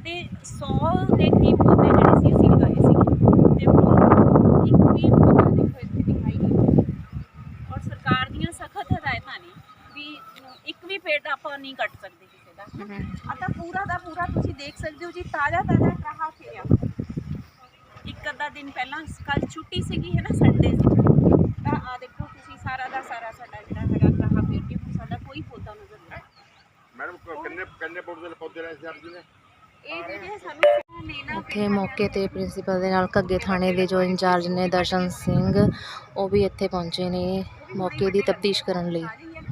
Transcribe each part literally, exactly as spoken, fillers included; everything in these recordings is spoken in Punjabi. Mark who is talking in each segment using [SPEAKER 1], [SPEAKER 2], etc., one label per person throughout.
[SPEAKER 1] ਤੇ सौ ਦੇ ਕਰੀਬ ਪੌਦੇ ਜਿਹੜੇ ਸੀ ਅਸੀਂ ਲਗਾਏ ਸੀ ਤੇ ਹੁਣ ਇੱਕ ਵੀ ਪੌਦਾ ਦੇਖੋ ਇੱਥੇ ਦਿਖਾਈ ਨਹੀਂ। ਔਰ ਸਰਕਾਰ ਦੀਆਂ ਸਖਤ ਹਦਾਇਤਾਂ ਨੇ ਵੀ ਇੱਕ ਵੀ ਪੇੜ ਆਪਾਂ ਨਹੀਂ ਕੱਟ ਸਕਦੇ ਕਿਸੇ ਦਾ। ਆ ਤਾਂ ਪੂਰਾ ਦਾ ਪੂਰਾ ਤੁਸੀਂ ਦੇਖ ਸਕਦੇ ਹੋ ਜੀ, ਤਾਜ਼ਾ ਤਾਜ਼ਾ ਕਹਾ ਫਿਰਿਆ। ਇੱਕ ਅੱਧਾ ਦਿਨ ਪਹਿਲਾਂ ਕੱਲ ਛੁੱਟੀ ਸੀਗੀ ਹੈ ਨਾ, ਸੰਡੇ ਸੀ, ਤਾਂ ਆ ਦੇਖੋ ਤੁਸੀਂ ਸਾਰਾ ਦਾ ਸਾਰਾ ਸਾਡਾ ਜਿਹੜਾ ਹੈਗਾ ਕਹਾ ਫਿਰ ਕੇ ਸਾਡਾ ਕੋਈ ਪੌਦਾ ਨਜ਼ਰ ਨਹੀਂ।
[SPEAKER 2] ਮੈਡਮ ਕਿੰਨੇ ਕਿੰਨੇ ਪੌਦੇ ਪੌਦੇ ਲਾਏ ਸੀ ਆਪ ਜੀ ਨੇ?
[SPEAKER 1] ਇਹ ਜਿਹੜੇ ਸਾਨੂੰ ਲੈਣਾ
[SPEAKER 3] ਉੱਥੇ ਮੌਕੇ ਤੇ ਪ੍ਰਿੰਸੀਪਲ ਦੇ ਨਾਲ ਘੱਗੇ ਥਾਣੇ ਦੇ ਜੋ ਇੰਚਾਰਜ ਨੇ ਦਰਸ਼ਨ ਸਿੰਘ, ਉਹ ਵੀ ਇੱਥੇ ਪਹੁੰਚੇ ਨੇ ਮੌਕੇ ਦੀ ਤਫਤੀਸ਼ ਕਰਨ ਲਈ।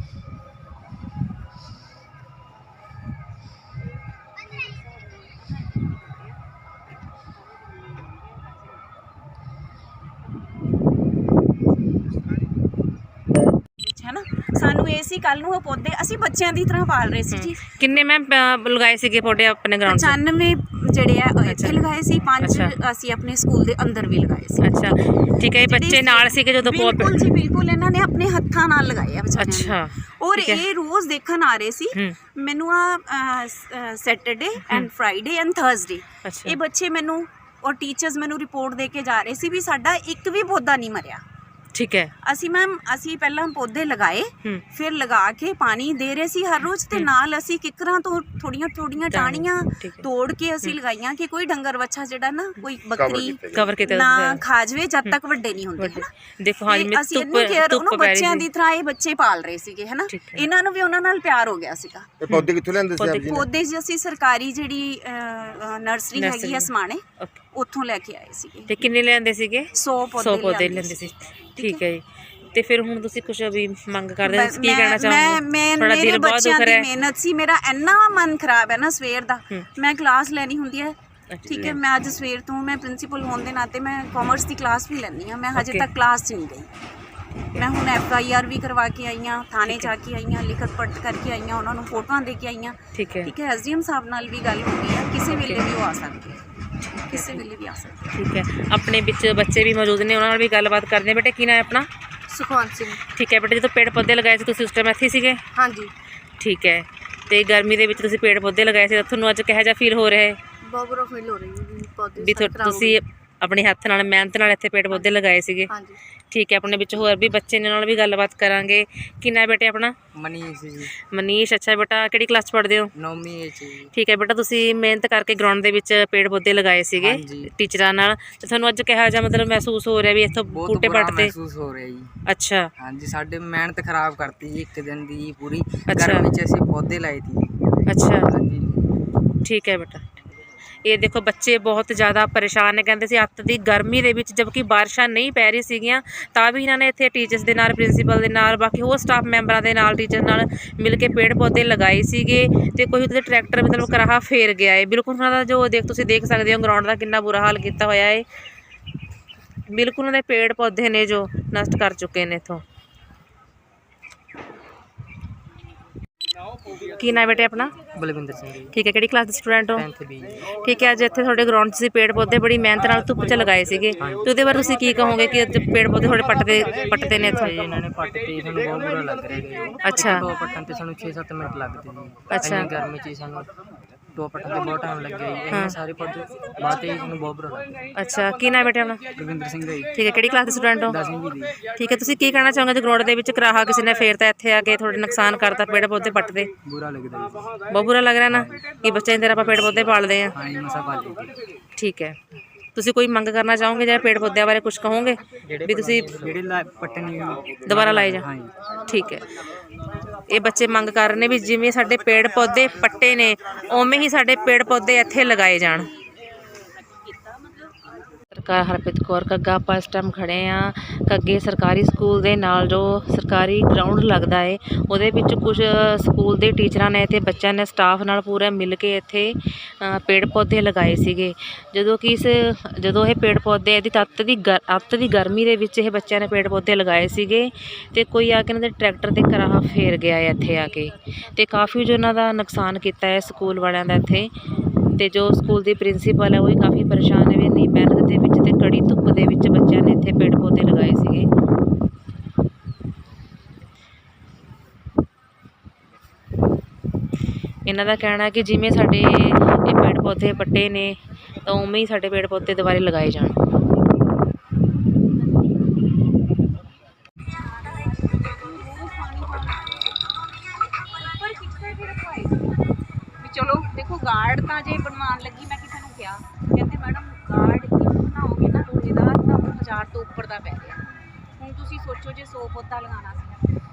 [SPEAKER 1] है ना, सानू ये सी कल नूं पौधे असीं बच्चों की तरह पाल रहे सी जी।
[SPEAKER 3] किन्ने मैम लगाए सीगे पौधे अपने ग्राउंड से?
[SPEAKER 1] पचानवे ਜਿਹੜੇ ਆ ਇੱਥੇ ਲਗਾਏ ਸੀ, ਪੰਜ ਅਸੀਂ ਆਪਣੇ ਸਕੂਲ ਦੇ ਅੰਦਰ ਵੀ ਲਗਾਏ ਸੀ।
[SPEAKER 3] ਅੱਛਾ ਠੀਕ ਹੈ, ਇਹ ਬੱਚੇ ਨਾਲ ਸੀਗੇ ਜਦੋਂ?
[SPEAKER 1] ਬਿਲਕੁਲ ਜੀ ਬਿਲਕੁਲ, ਇਹਨਾਂ ਨੇ ਆਪਣੇ ਹੱਥਾਂ ਨਾਲ ਲਗਾਏ ਆ ਬੱਚਿਆਂ ਨੇ।
[SPEAKER 3] ਅੱਛਾ,
[SPEAKER 1] ਔਰ ਇਹ ਰੋਜ਼ ਦੇਖਣ ਆ ਰਹੇ ਸੀ ਮੈਨੂੰ, ਆ Saturday and Friday and Thursday ਇਹ ਬੱਚੇ ਮੈਨੂੰ ਔਰ ਟੀਚਰਸ ਮੈਨੂੰ ਰਿਪੋਰਟ ਦੇ ਕੇ ਜਾ ਰਹੇ ਸੀ ਵੀ ਸਾਡਾ ਇੱਕ ਵੀ ਪੌਦਾ ਨਹੀਂ ਮਰਿਆ।
[SPEAKER 3] ठीक है,
[SPEAKER 1] ਅਸੀਂ ਮੈਮ ਅਸੀਂ ਪਹਿਲਾਂ ਪੌਦੇ ਲਗਾਏ, ਫਿਰ ਲਗਾ ਕੇ ਪਾਣੀ ਦੇ ਰਹੇ ਸੀ ਹਰ ਰੋਜ਼, ਤੇ ਨਾਲ ਅਸੀਂ ਕਿੱਕਰਾਂ ਤੋਂ ਥੋੜੀਆਂ ਥੋੜੀਆਂ ਟਾਹਣੀਆਂ ਤੋੜ ਕੇ ਅਸੀਂ ਲਗਾਈਆਂ ਕਿ ਕੋਈ ਡੰਗਰ ਵੱਛਾ ਜਿਹੜਾ ਨਾ ਕੋਈ ਬੱਕਰੀ
[SPEAKER 3] ਕਵਰ ਕੀਤੇ
[SPEAKER 1] ਨਾ ਖਾ ਜਾਵੇ ਜਦ ਤੱਕ ਵੱਡੇ ਨਹੀਂ ਹੁੰਦੇ।
[SPEAKER 3] ਦੇਖੋ ਹਾਂ ਜੀ,
[SPEAKER 1] ਅਸੀਂ ਇੰਨੀ ਕੇਅਰ ਉਹਨੂੰ ਬੱਚਿਆਂ ਦੀ ਤਰ੍ਹਾਂ ਇਹ ਬੱਚੇ ਪਾਲ ਰਹੇ ਸੀਗੇ ਹੈ ਨਾ, ਇਹਨਾਂ ਨੂੰ ਵੀ ਉਹਨਾਂ ਨਾਲ ਪਿਆਰ ਹੋ ਗਿਆ ਸੀਗਾ।
[SPEAKER 2] ਇਹ ਪੌਦੇ ਕਿੱਥੋਂ ਲੈਂਦੇ ਸੀ ਆਪ ਜੀ?
[SPEAKER 1] ਪੌਦੇ ਜੀ ਅਸੀਂ ਸਰਕਾਰੀ ਜਿਹੜੀ ਨਰਸਰੀ ਹੈਗੀ ਆ ਸਮਾਣੇ, ਉੱਥੋਂ ਲੈ ਕੇ ਆਏ ਸੀਗੇ।
[SPEAKER 3] ਤੇ ਕਿੰਨੇ ਲੈਂਦੇ ਸੀਗੇ?
[SPEAKER 1] ਸੌ
[SPEAKER 3] ਪੌਦੇ ਲੈਂਦੇ ਸੀ। ਠੀਕ ਹੈ ਜੀ, ਤੇ ਫਿਰ ਹੁਣ ਤੁਸੀਂ ਕੁਝ ਵੀ ਮੰਗ ਕਰਦੇ ਹੋ, ਕੀ ਕਹਿਣਾ ਚਾਹੋਗੇ?
[SPEAKER 1] ਮੈਂ
[SPEAKER 3] ਥੋੜਾ ਦਿਲ ਬਹੁਤ ਦੁੱਖ ਰਿਹਾ ਹੈ।
[SPEAKER 1] ਮਿਹਨਤ ਸੀ, ਮੇਰਾ ਇੰਨਾ ਮਨ ਖਰਾਬ ਹੈ ਨਾ ਸਵੇਰ ਦਾ। ਮੈਂ ਕਲਾਸ ਲੈਣੀ ਹੁੰਦੀ ਹੈ, ਠੀਕ ਹੈ, ਮੈਂ ਅੱਜ ਸਵੇਰ ਤੋਂ ਮੈਂ ਪ੍ਰਿੰਸੀਪਲ ਹੋਣ ਦੇ ਨਾਤੇ ਮੈਂ ਕਾਮਰਸ ਦੀ ਕਲਾਸ ਵੀ ਲੈਂਦੀ ਹਾਂ, ਮੈਂ ਹਜੇ ਤੱਕ ਕਲਾਸ 'ਚ ਨਹੀਂ ਗਈ। ਮੈਂ ਹੁਣ ਐਫ ਆਈ ਆਰ ਵੀ ਕਰਵਾ ਕੇ ਆਈ ਹਾਂ, ਥਾਣੇ ਜਾ ਕੇ ਆਈ ਹਾਂ, ਲਿਖਤ ਪੜ੍ਹ ਕਰਕੇ ਆਈ ਹਾਂ, ਉਹਨਾਂ ਨੂੰ ਫੋਟੋਆਂ ਦੇ ਕੇ ਆਈ ਹਾਂ।
[SPEAKER 3] ਠੀਕ ਹੈ
[SPEAKER 1] ਠੀਕ ਹੈ, ਐਸ ਡੀ ਐਮ ਸਾਹਿਬ ਨਾਲ ਵੀ ਗੱਲ ਹੋ ਗਈ ਹੈ, ਕਿਸੇ ਵੇਲੇ ਵੀ ਉਹ ਆ ਸਕਦੇ ਹੈ, ਕਿਸੇ ਵੇਲੇ ਵੀ ਆ ਸਕਦੇ।
[SPEAKER 3] ਠੀਕ ਹੈ, ਆਪਣੇ ਵਿੱਚ ਬੱਚੇ ਵੀ ਮੌਜੂਦ ਨੇ, ਉਹਨਾਂ ਨਾਲ ਵੀ ਗੱਲਬਾਤ ਕਰਦੇ ਹਾਂ। ਬੇਟੇ ਕੀ ਨਾਮ ਹੈ ਆਪਣਾ?
[SPEAKER 1] ਸੁਖਵੰਤ ਸਿੰਘ।
[SPEAKER 3] ਠੀਕ ਹੈ ਬੇਟੇ, ਜਦੋਂ ਪੇੜ ਪੌਦੇ ਲਗਾਏ ਸੀ ਤੁਸੀਂ ਉਸ ਟਾਈਮ ਇੱਥੇ ਸੀਗੇ?
[SPEAKER 1] ਹਾਂਜੀ।
[SPEAKER 3] ਠੀਕ ਹੈ, ਤੇ ਗਰਮੀ ਦੇ ਵਿੱਚ ਤੁਸੀਂ ਪੇੜ ਪੌਦੇ ਲਗਾਏ ਸੀ, ਤੁਹਾਨੂੰ ਅੱਜ ਕਿਹੋ ਜਿਹਾ ਫੀਲ ਹੋ ਰਿਹਾ ਹੈ?
[SPEAKER 1] ਬਹੁਤ ਬੁਰਾ ਫੀਲ ਹੋ ਰਹੀ ਹੈ ਪੌਦੇ
[SPEAKER 3] ਵੀ ਤੁਸੀਂ ਆਪਣੇ ਹੱਥ ਨਾਲ ਮਿਹਨਤ ਨਾਲ ਇੱਥੇ ਪੇੜ ਪੌਦੇ ਲਗਾਏ ਸੀਗੇ?
[SPEAKER 1] ਹਾਂਜੀ।
[SPEAKER 3] ਠੀਕ ਹੈ, ਆਪਣੇ ਵਿੱਚ ਹੋਰ ਵੀ ਬੱਚੇ ਨੇ, ਨਾਲ ਵੀ ਗੱਲਬਾਤ ਕਰਾਂਗੇ। ਕਿੰਨਾ ਹੈ ਬੇਟੇ ਆਪਣਾ?
[SPEAKER 4] ਮਨੀਸ਼ ਜੀ।
[SPEAKER 3] ਮਨੀਸ਼, ਅੱਛਾ ਬੇਟਾ ਕਿਹੜੀ ਕਲਾਸ 'ਚ ਪੜ੍ਹਦੇ ਹੋ?
[SPEAKER 4] ਨੌਵੀਂ ਵਿੱਚ ਜੀ।
[SPEAKER 3] ਠੀਕ ਹੈ ਬੇਟਾ, ਤੁਸੀਂ ਮਿਹਨਤ ਕਰਕੇ ਗਰਾਊਂਡ ਦੇ ਵਿੱਚ ਪੇੜ ਪੌਦੇ ਲਗਾਏ ਸੀਗੇ ਟੀਚਰਾਂ ਨਾਲ, ਤੇ ਤੁਹਾਨੂੰ ਅੱਜ ਕਿਹੋ ਜਿਹਾ ਮਤਲਬ ਮਹਿਸੂਸ ਹੋ ਰਿਹਾ ਵੀ ਇੱਥੋਂ ਬੂਟੇ ਪੱਟਦੇ?
[SPEAKER 4] ਮਹਿਸੂਸ ਹੋ ਰਿਹਾ ਜੀ।
[SPEAKER 3] ਅੱਛਾ
[SPEAKER 4] ਹਾਂਜੀ, ਸਾਡੇ ਮਿਹਨਤ ਖਰਾਬ ਕਰਤੀ ਜੀ ਇੱਕ ਦਿਨ ਦੀ ਪੂਰੀ। ਗਰਮੀ ਵਿੱਚ ਅਸੀਂ ਪੌਦੇ ਲਾਏ ਸੀ।
[SPEAKER 3] ਅੱਛਾ
[SPEAKER 4] ਹਾਂਜੀ
[SPEAKER 3] ਠੀਕ ਹੈ ਬੇਟਾ। ਇਹ ਦੇਖੋ ਬੱਚੇ ਬਹੁਤ ਜ਼ਿਆਦਾ ਪਰੇਸ਼ਾਨ ਨੇ, ਕਹਿੰਦੇ ਸੀ ਅੱਤ ਦੀ ਗਰਮੀ ਦੇ ਵਿੱਚ ਜਦਕਿ ਬਾਰਿਸ਼ਾਂ ਨਹੀਂ ਪੈ ਰਹੀ ਸੀਗੀਆਂ, ਤਾਂ ਵੀ ਇਹਨਾਂ ਨੇ ਇੱਥੇ ਟੀਚਰਸ ਦੇ ਨਾਲ, ਪ੍ਰਿੰਸੀਪਲ ਦੇ ਨਾਲ, ਬਾਕੀ ਹੋਰ ਸਟਾਫ ਮੈਂਬਰਾਂ ਦੇ ਨਾਲ, ਟੀਚਰ ਨਾਲ ਮਿਲ ਕੇ ਪੇੜ ਪੌਦੇ ਲਗਾਏ ਸੀਗੇ। ਤੇ ਕੋਈ ਉਹਦੇ ਟਰੈਕਟਰ ਮਤਲਬ ਕਰਾਹਾ ਫੇਰ ਗਿਆ ਹੈ। ਬਿਲਕੁਲ ਉਹਨਾਂ ਦਾ ਜੋ ਦੇਖ ਤੁਸੀਂ ਦੇਖ ਸਕਦੇ ਹੋ ਗਰਾਊਂਡ ਦਾ ਕਿੰਨਾ ਬੁਰਾ ਹਾਲ ਕੀਤਾ ਹੋਇਆ ਹੈ। ਬਿਲਕੁਲ ਉਹਨਾਂ ਦੇ ਪੇੜ ਪੌਦੇ ਨੇ ਜੋ ਨਸ਼ਟ ਕਰ ਚੁੱਕੇ ਨੇ ਇੱਥੋਂ। ਕੀ ਨਾਮ ਬੇਟੇ ਆਪਣਾ?
[SPEAKER 4] ਬਲਵਿੰਦਰ ਸਿੰਘ ਜੀ।
[SPEAKER 3] ਠੀਕ ਹੈ, ਕਿਹੜੀ ਕਲਾਸ ਦੇ ਸਟੂਡੈਂਟ ਹੋ?
[SPEAKER 4] Tenth B.
[SPEAKER 3] ਠੀਕ ਹੈ, ਅੱਜ ਇੱਥੇ ਤੁਹਾਡੇ ਗਰਾਊਂਡ 'ਚ ਤੁਸੀਂ ਪੇੜ ਪੌਦੇ ਬੜੀ ਮਿਹਨਤ ਨਾਲ ਧੁੱਪ 'ਚ ਲਗਾਏ ਸੀਗੇ, ਤੇ ਉਹਦੇ ਬਾਰੇ ਤੁਸੀਂ ਕੀ ਕਹੋਗੇ ਕਿ ਅੱਜ ਪੇੜ ਪੌਦੇ ਥੋੜੇ ਪੱਟਦੇ ਪੱਟਦੇ ਨੇ ਇੱਥੋਂ?
[SPEAKER 4] ਇਹਨਾਂ ਨੇ ਪੱਟ ਤੇ ਸਾਨੂੰ ਬਹੁਤ ਬੁਰਾ ਲੱਗ ਰਿਹਾ ਜੀ।
[SPEAKER 3] ਅੱਛਾ।
[SPEAKER 4] ਦੋ ਪੱਟਣ ਤੇ ਸਾਨੂੰ ਛੇ ਸੱਤ ਮਿੰਟ ਲੱਗਦੇ ਜੀ।
[SPEAKER 3] ਅੱਛਾ।
[SPEAKER 4] ਇੰਨੀ ਗਰਮੀ 'ਚ ਸਾਨੂੰ ਦੋ ਪੱਟਣ ਤੇ ਬਹੁਤ ਟਾਈਮ ਲੱਗਿਆ ਜੀ। ਇੰਨੇ ਸਾਰੇ ਪੌਦੇ ਬਾਅਦ ਤੇ ਸਾਨੂੰ ਬਹੁਤ ਬੁਰਾ ਲੱਗ ਰਿਹਾ।
[SPEAKER 3] ਅੱਛਾ, ਕੀ ਨਾਮ ਬੇਟੇ ਆਪਣਾ?
[SPEAKER 4] ਬਲਵਿੰਦਰ ਸਿੰਘ ਜੀ।
[SPEAKER 3] ਠੀਕ ਹੈ, ਕਿਹੜੀ ਕਲਾਸ ਦੇ ਸਟੂਡੈਂਟ ਹੋ?
[SPEAKER 4] ਦਸਵੀਂ ਜੀ ਦੀ।
[SPEAKER 3] ਠੀਕ ਹੈ, ਤੁਸੀਂ ਕੀ ਕਹਿਣਾ ਚਾਹੋਗੇ ਜੇ ਗਰਾਊਂਡ ਦੇ ਵਿੱਚ ਕਰਾਹਾ ਕਿਸੇ ਨੇ ਫੇਰਤਾ, ਇੱਥੇ ਆ ਕੇ ਥੋੜੇ ਨੁਕਸਾਨ ਕਰਤਾ, ਪੇੜ ਪੌਦੇ ਪੱਟਦੇ?
[SPEAKER 4] ਬੁਰਾ ਲੱਗਦਾ ਜੀ।
[SPEAKER 3] ਬਹੁਤ ਬੁਰਾ ਲੱਗ ਰਿਹਾ ਨਾ ਕਿ ਬੱਚਿਆਂ ਦੀ ਤਰ੍ਹਾਂ ਆਪਾਂ ਪੇੜ ਪੌਦੇ ਪਾਲਦੇ ਹਾਂ।
[SPEAKER 4] ਹਾਂ ਜੀ, ਮਸਾ ਪਾ ਲਈ।
[SPEAKER 3] ਠੀਕ ਹੈ, ਤੁਸੀਂ ਕੋਈ ਮੰਗ ਕਰਨਾ ਚਾਹੋਗੇ ਜਾਂ ਪੇੜ ਪੌਦਿਆਂ ਬਾਰੇ ਕੁਝ ਕਹੋਗੇ ਵੀ ਤੁਸੀਂ
[SPEAKER 4] ਜਿਹੜੇ ਪੱਟਣੀ
[SPEAKER 3] ਦੁਬਾਰਾ ਲਾਏ ਜਾ? ਠੀਕ ਹੈ, ਇਹ ਬੱਚੇ ਮੰਗ ਕਰ ਰਹੇ ਨੇ ਵੀ ਜਿਵੇਂ ਸਾਡੇ ਪੇੜ ਪੌਦੇ ਪੱਟੇ ਨੇ ਉਵੇਂ ਹੀ ਸਾਡੇ ਪੇੜ ਪੌਦੇ ਇੱਥੇ ਲਗਾਏ ਜਾਣ। ਸਰਕਾਰ ਹਰਪ੍ਰੀਤ ਕੌਰ ਘੱਗਾ, ਆਪਾਂ ਇਸ ਟਾਈਮ ਖੜੇ ਹਾਂ ਘੱਗੇ ਸਰਕਾਰੀ ਸਕੂਲ ਦੇ ਨਾਲ, ਜੋ ਸਰਕਾਰੀ ਗਰਾਊਂਡ ਲੱਗਦਾ ਹੈ ਉਹਦੇ ਵਿੱਚ ਕੁਝ ਸਕੂਲ ਦੇ ਟੀਚਰਾਂ ਨੇ ਅਤੇ ਬੱਚਿਆਂ ਨੇ ਸਟਾਫ ਨਾਲ ਪੂਰਾ ਮਿਲ ਕੇ ਇੱਥੇ ਪੇੜ ਪੌਦੇ ਲਗਾਏ ਸੀਗੇ। ਜਦੋਂ ਕਿ ਇਸ ਜਦੋਂ ਇਹ ਪੇੜ ਪੌਦੇ ਇਹਦੀ ਤੱਤ ਦੀ ਗ ਅੱਤ ਦੀ ਗਰਮੀ ਦੇ ਵਿੱਚ ਇਹ ਬੱਚਿਆਂ ਨੇ ਪੇੜ ਪੌਦੇ ਲਗਾਏ ਸੀਗੇ, ਅਤੇ ਕੋਈ ਆ ਕੇ ਇਹਨਾਂ ਦੇ ਟਰੈਕਟਰ 'ਤੇ ਕਰਾਹਾ ਫੇਰ ਗਿਆ ਹੈ ਇੱਥੇ ਆ ਕੇ, ਅਤੇ ਕਾਫੀ ਜੋ ਇਹਨਾਂ ਦਾ ਨੁਕਸਾਨ ਕੀਤਾ ਹੈ ਸਕੂਲ ਵਾਲਿਆਂ ਦਾ ਇੱਥੇ। ਤੇ ਜੋ ਸਕੂਲ ਦੀ ਪ੍ਰਿੰਸੀਪਲ ਹੈ ਉਹ ਵੀ ਕਾਫੀ ਪਰੇਸ਼ਾਨ ਹੈ ਵੀ ਇੰਨੀ ਮਿਹਨਤ ਦੇ ਵਿੱਚ ਤੇ ਕੜੀ ਧੁੱਪ ਦੇ ਵਿੱਚ ਬੱਚਿਆਂ ਨੇ ਇੱਥੇ ਪੇੜ ਪੌਦੇ ਲਗਾਏ ਸੀਗੇ। ਇਹਨਾਂ ਦਾ ਕਹਿਣਾ ਹੈ ਕਿ ਜਿਵੇਂ ਸਾਡੇ ਇਹ ਪੇੜ ਪੌਦੇ ਪੱਟੇ ਨੇ ਤਾਂ ਉਵੇਂ ਹੀ ਸਾਡੇ ਪੇੜ ਪੌਦੇ ਦੁਬਾਰੇ ਲਗਾਏ ਜਾਣ।
[SPEAKER 1] ਵੀ ਚਲੋ ਦੇਖੋ ਗਾਰਡ ਤਾਂ ਜੇ ਬਣਵਾਉਣ ਲੱਗੀ ਮੈਂ ਕਿਸੇ ਨੂੰ ਕਿਹਾ, ਕਹਿੰਦੇ ਮੈਡਮ ਗਾਰਡ ਇੱਕ ਬਣਾਓਗੇ ਨਾ ਲੋਹੇ ਦਾ ਤਾਂ ਉਹ ਹਜ਼ਾਰ ਤੋਂ ਉੱਪਰ ਦਾ ਪੈ ਗਿਆ। ਹੁਣ ਤੁਸੀਂ ਸੋਚੋ ਜੇ ਸੌ ਪੌਦਾ ਲਗਾਉਣਾ ਸੀ